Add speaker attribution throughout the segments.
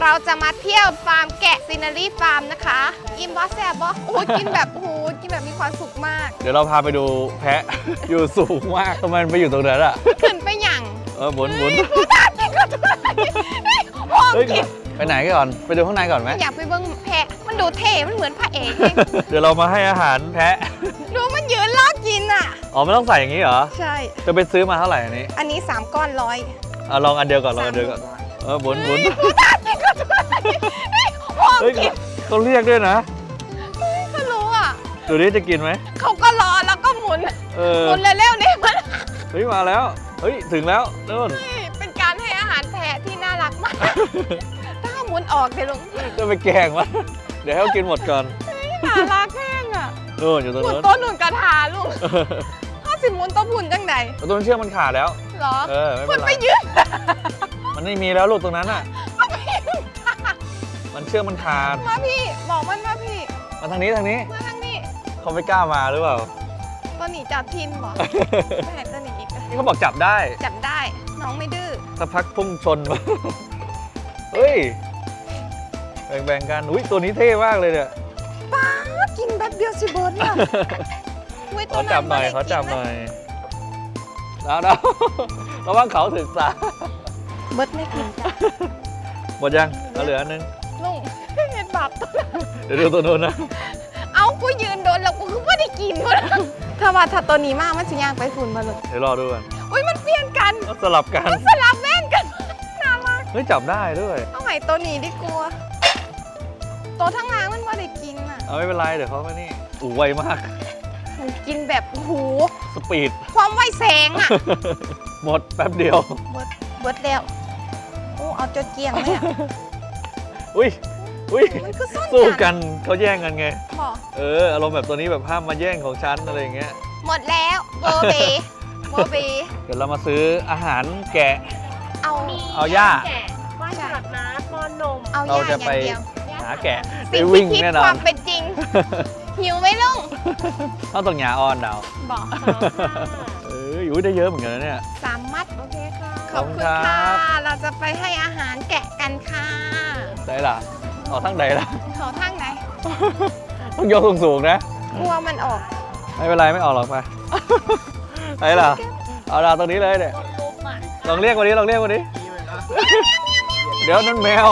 Speaker 1: เราจะมาเที่ยวฟาร์มแกะซีนารีฟาร์มนะคะอิ่มบอสแซ่บบอสโอ้ยกินแบบโอ้ยกินแบบมีความสุขมาก
Speaker 2: เดี๋ยวเราพาไปดูแพะ อยู่สูงมากทำไมมันไปอยู่ตรงนั้นอ่ะ
Speaker 1: ขึ้นไปหยั่ง
Speaker 2: หมุน
Speaker 1: กูตากินก็ได้ห้อง
Speaker 2: เฮ้ย
Speaker 1: กิน
Speaker 2: ไปไหนก่อนไปดูข้างในก่อนไหม
Speaker 1: อยากไปเบิ้งแพะมันดูเท่มันเหมือนพระเอก
Speaker 2: เดี๋ยวเรามาให้อาหารแพะ
Speaker 1: ดูมันยืนล้อกินอ่ะ
Speaker 2: อ๋อไม่ต้องใส่อย่างนี้เหรอ
Speaker 1: ใช่
Speaker 2: จะไปซื้อมาเท่าไหร่อันนี้
Speaker 1: อันนี้3 ก้อน100
Speaker 2: ลองอันเดียวก่อนลองอันเดียวก่อนหมุน
Speaker 1: กูตากินก็ได้ห้อง
Speaker 2: เฮ้ย
Speaker 1: กิน
Speaker 2: เขาเรียกด้วยนะ
Speaker 1: เขารู้อ่ะ
Speaker 2: ดูนี่จะกินไหม
Speaker 1: เขาก็รอแล้วก็หมุน
Speaker 2: เออ
Speaker 1: หมุนเร็วๆนี่มัน
Speaker 2: เฮ้ยมาแล้วเฮ้ยถึงแล้วนู่น
Speaker 1: เป็นการให้อาหารแพะที่น่ารักมาก ถ้าหมุนออกเดี๋ยวลุง
Speaker 2: จะไปแกล้งวะเดี๋ยวให้เขากินหมดก่อน
Speaker 1: น่ารักแห้งอ่ะ
Speaker 2: นู่นอยู่ตรง
Speaker 1: หมุน
Speaker 2: นู้น
Speaker 1: ต้นหนุนกระถาลุงถ้าสิหมุนต้นหุ่นจังไหน
Speaker 2: ตรงนั้นเชือกมันขาดแล้ว
Speaker 1: เหรอ
Speaker 2: ไม่
Speaker 1: คุ
Speaker 2: เป็
Speaker 1: ณ
Speaker 2: นไร
Speaker 1: ไปยืน
Speaker 2: มันไม่มีแล้วลูกตรงนั้นอ่ะ
Speaker 1: มาพี่
Speaker 2: มันเชือกมันขาด
Speaker 1: มาพี่บอกมันมาพี่
Speaker 2: มาทางนี้
Speaker 1: มาทางนี้
Speaker 2: เขาไม่กล้ามาหรือเปล่า
Speaker 1: ตัวหนีจับทินบอกไม่เห็นตัวหนีอีก
Speaker 2: นี่เขาบอกจับได้
Speaker 1: จับได้น้องไม่ดื้อ
Speaker 2: สักพักพุ่งชนมา เฮ้ย แบ่งๆกัน อุ้ยตัวนี้เท่มากเลยเนี่ย
Speaker 1: ป้ากินแป๊บเดียวสิเบิร์ดเนี่ยอุ๊ย
Speaker 2: ขอจับหน่อย
Speaker 1: ตัว
Speaker 2: ขอจับห
Speaker 1: ไม่
Speaker 2: น่อ
Speaker 1: ได้
Speaker 2: ยแล้วระวังเขาถึกษา
Speaker 1: กินนะเบิร์ดไม่กินจ้ะ
Speaker 2: หมดยังเอาเหลืออันนึง
Speaker 1: ลุงเห็นบาปตัว
Speaker 2: เดี๋ยวดูตัวนู้นนะ
Speaker 1: เอากูยืนโดนแล้วกูคือไม่ได้กินวะถ้าว่าถ้าตัวนี้มากมันจะย่างไปฝุ่นมาเลย
Speaker 2: เดี๋ยวรอดูกัน
Speaker 1: อุ้ยมันเปลี่ยนกัน
Speaker 2: สลับกัน
Speaker 1: สลับแม่นกันน่ารัก
Speaker 2: เฮ้ยจับได้ด้วย
Speaker 1: เอาใหม่ตัวนี้ดีกลัวตัวทั้งงานมันไม่ได้กินอ่ะ
Speaker 2: เอาไม่เป็นไรเดี๋ยวเขาไม่นี่อูไวมาก
Speaker 1: มันกินแบบโอ้โห
Speaker 2: สปีด
Speaker 1: ความไวแสงอ่ะ
Speaker 2: หมดแป๊บเดียว
Speaker 1: เบิดแล้วโอ้เอาจนเกลียงเลยอ่ะ
Speaker 2: อุ้ย
Speaker 1: มันคือซ่อน
Speaker 2: สู้
Speaker 1: กั
Speaker 2: กัน นเขาแย่งกันไง
Speaker 1: บอก
Speaker 2: อารมณ์แบบตัวนี้แบบห้ามมาแย่งของฉันอะไรอย่างเงี้ย
Speaker 1: หมดแล้วโบเบโบเบ
Speaker 2: เดี๋ยวเรามาซื้ออาหารแกะ
Speaker 1: เอา
Speaker 2: เอาหญ้า
Speaker 3: ว่านหลักน้ำป้อนนม
Speaker 1: เอา
Speaker 2: เรา
Speaker 1: ย่าอ
Speaker 2: จะ
Speaker 1: ย่าง
Speaker 2: ไป
Speaker 1: เดียว
Speaker 2: หาแกะไป
Speaker 1: สิ่ง
Speaker 2: วิ่ง
Speaker 1: ที่คิด
Speaker 2: แน่นอ
Speaker 1: ควาน มเป็นจริง หิวไหมลุง
Speaker 2: ต้องตรงหยาออนดาว
Speaker 1: บอก
Speaker 2: อยู่ได้เยอะเหมือนกันนะเนี่ย
Speaker 1: 3 มัด
Speaker 3: โอเคค่ะ
Speaker 1: ขอบคุณ
Speaker 2: ขอบคุณครั
Speaker 1: ค่ะ
Speaker 2: บ
Speaker 1: เราจะไปให้อาหารแกะกันค่ะ
Speaker 2: ได้ล่ะออกทั้งใดล่ะ
Speaker 1: เขาทางไหน
Speaker 2: ต้องยกสูงๆนะ
Speaker 1: กลัวมันออก
Speaker 2: ไม่เป็นไรไม่ออกหรอกไปได้ล่ะเอาดาวตรงนี้เลยเนี่ย
Speaker 3: ลุมอ่ะ
Speaker 2: ลองเรียกวันนี้ลองเรียกวันนี้ เดี๋ยวนั่นแมว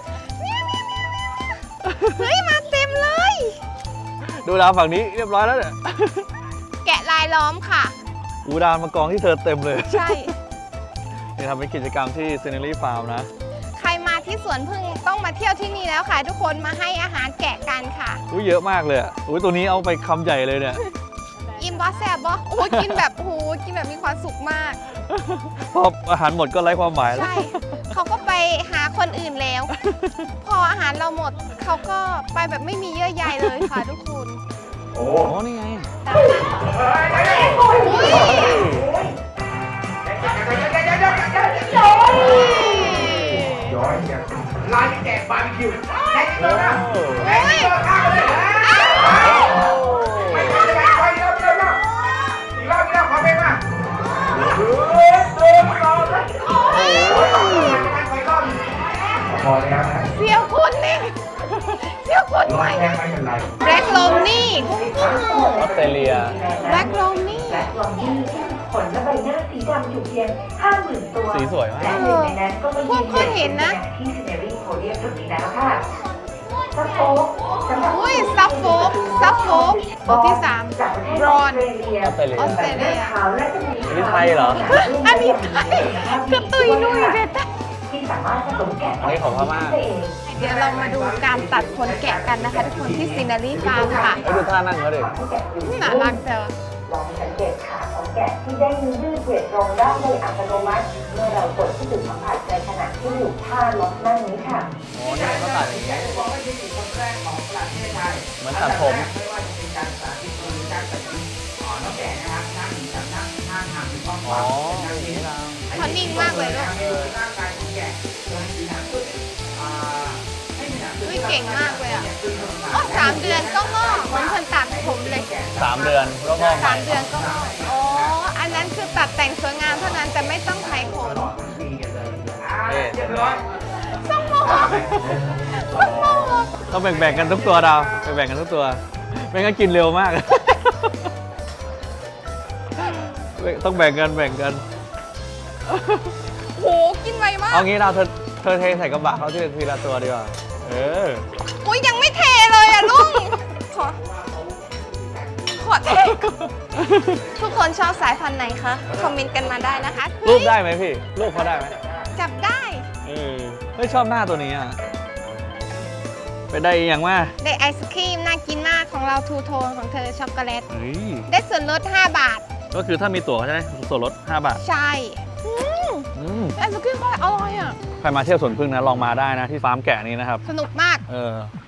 Speaker 1: เฮ้ย มาเต็มเลย
Speaker 2: ดูดาวฝั่งนี้เรียบร้อยแล้วเนี่ย
Speaker 1: แกะลายล้อมค่ะ
Speaker 2: อูดาวมากองที่เธอเต็มเลย
Speaker 1: ใช่
Speaker 2: นี่ทำเป็นกิจกรรมที่ซีเนอรี่ฟาร์มนะ
Speaker 1: ใครมาที่สวนพึ่งต้องมาเที่ยวที่นี่แล้วค่ะ ทุกคนมาให้อาหารแกะกันค่ะ
Speaker 2: อุ้ยเยอะมากเลยอ่ะอุ้ยตัวนี้เอาไปคำใหญ่เลยเนี่ย
Speaker 1: อิ่มบอสแซบบอสโอ้ยกินแบบโอ้โหกินแบบมีความสุขมาก
Speaker 2: พออาหารหมดก็ไร้ความหมายแล้ว
Speaker 1: ใช่ เขาก็ไปหาคนอื่นแล้ว พออาหารเราหมด เขาก็ไปแบบไม่มีเยื่อใยเลยค่ะทุกคน
Speaker 2: โอ้นี่ไง
Speaker 4: ย้อยเนี่ยร้านแกะบาร์บีคิวแกะตัวนะ
Speaker 1: เฮ้ย
Speaker 4: ตัวข้าวเลยไม่ต้องใจคอยเยอะอีกรอบขอเพลงมาพอแล้วนะ
Speaker 1: เสียวคนนี่เสียวคน
Speaker 4: ร้
Speaker 1: ให
Speaker 4: อ
Speaker 1: ม่
Speaker 4: ยแค่ไม่เป็นไร
Speaker 1: แบล็กโลมนี่กุ้ง
Speaker 2: ออสเตรเลีย
Speaker 1: แบล็กโลมนี่
Speaker 5: และกล่องที่ขนและใบหน้าสีดำอยู่เพียง 50,000 ตัว
Speaker 2: สีสวยมาก
Speaker 5: และหนึ่งในนั้นก็มา
Speaker 1: พวกคนเห็นนะ
Speaker 5: ที่ซินเนอรี่โพเดียมทุกทีแล้วค่ะซัฟโฟกสำหรับ
Speaker 1: อุ้ยซับโฟกตัวที่
Speaker 5: จากประเทศ
Speaker 1: บร
Speaker 5: อ
Speaker 1: อ
Speaker 5: อน สเตรเลีย
Speaker 2: ออสเตรเลีย
Speaker 1: ออสเตรเลีย
Speaker 5: ขาวและจะมี
Speaker 2: อันนี้ไทยเหรอ
Speaker 1: อันนี้ไทยคือตุยนุ้ยเด็ด
Speaker 5: ที่สามารถผสมแกะ
Speaker 2: อันนี้ของพม่า
Speaker 5: ได้เอง
Speaker 1: เดี๋ยวเรามาดูการตัดขนแกะกันนะคะทุกคนที่ซีนารีฟาร์มค่ะ
Speaker 2: ให้ดูท่านั่งเขาดิ
Speaker 5: ให้แกะอยู่
Speaker 1: น่ารักแต่ว่า
Speaker 5: ลองสังเกตขาของแกะที่ได้ยืดเหยียดตรงได้โดยอัตโนมัติเมื่อเรากดที่จุดสัมผัสในขณะที่อยู่ท่าล็อกนั่งนี้ค่ะ
Speaker 2: อ๋อนี่เขาตัดอย่างนี้
Speaker 4: บอกว่าที่เป็นคนแรกของประเทศไทย
Speaker 2: เหมือนตัดผม
Speaker 4: ไม่ว่าจะเป็นการสาธิตหรือการตัดผมน้องแกะนะครับนั่งจับนั่งท่าทางมีความห
Speaker 2: อ๋
Speaker 4: วั
Speaker 2: อง
Speaker 4: นั่ง
Speaker 2: นี่
Speaker 4: นี้
Speaker 2: นะ
Speaker 1: เขานิ่งมากเลยด้วย
Speaker 4: ร่างกายของแกะโดยมีหนังตัวให้มีหนัง
Speaker 1: อุ้ยเก่งมากเลยอ่ะโอ้3 เดือนก็งอกเหมือนคนตัดผมเลย
Speaker 2: 3 เดือนก็งอกใหม่
Speaker 1: 3 เดือนก็งอกอ๋ออันนั้นคือตัดแต่งสวยงามเท่านั้นแต่ไม่ต้องไถขน
Speaker 2: เอ๊ะ
Speaker 4: เรียบร้อย
Speaker 1: สมอง
Speaker 2: ต้องแบ่งๆกันทุกตัวดาวแบ่งๆกันทุกตัวไม่งั้นกินเร็วมาก ต้องแบ่งกัน
Speaker 1: โหกินไวมาก
Speaker 2: เอางี้เราเธอเทใส่กระบะเขาทีละตัวดีกว่า
Speaker 1: อุ้ยยังไม่เทเลยอ่ะลุงขอเททุกคนชอบสายพันธุ์ไหนคะคอมเมนต์กันมาได้นะคะ
Speaker 2: รูปได้ไหมพี่รูปเขาได้ไหม
Speaker 1: จับได้
Speaker 2: ไม่ชอบหน้าตัวนี้อ่ะไปได้อีกอย่างว่า
Speaker 1: ได้ไอศครีมน่ากินมากของเราทูโทนของเธอช็อกโกแลต
Speaker 2: เฮ้ย
Speaker 1: ได้ส่วนลด 5 บาท
Speaker 2: ก็คือถ้ามีตั๋วใช่ไหมส่วนลด5 บาท
Speaker 1: ใช่ไอศครีมก็อร่อยอ่ะ
Speaker 2: ใครมาเที่ยวสวนพึ่งนะลองมาได้นะที่ฟาร์มแกะนี้นะครับ
Speaker 1: สนุกมาก
Speaker 2: เออ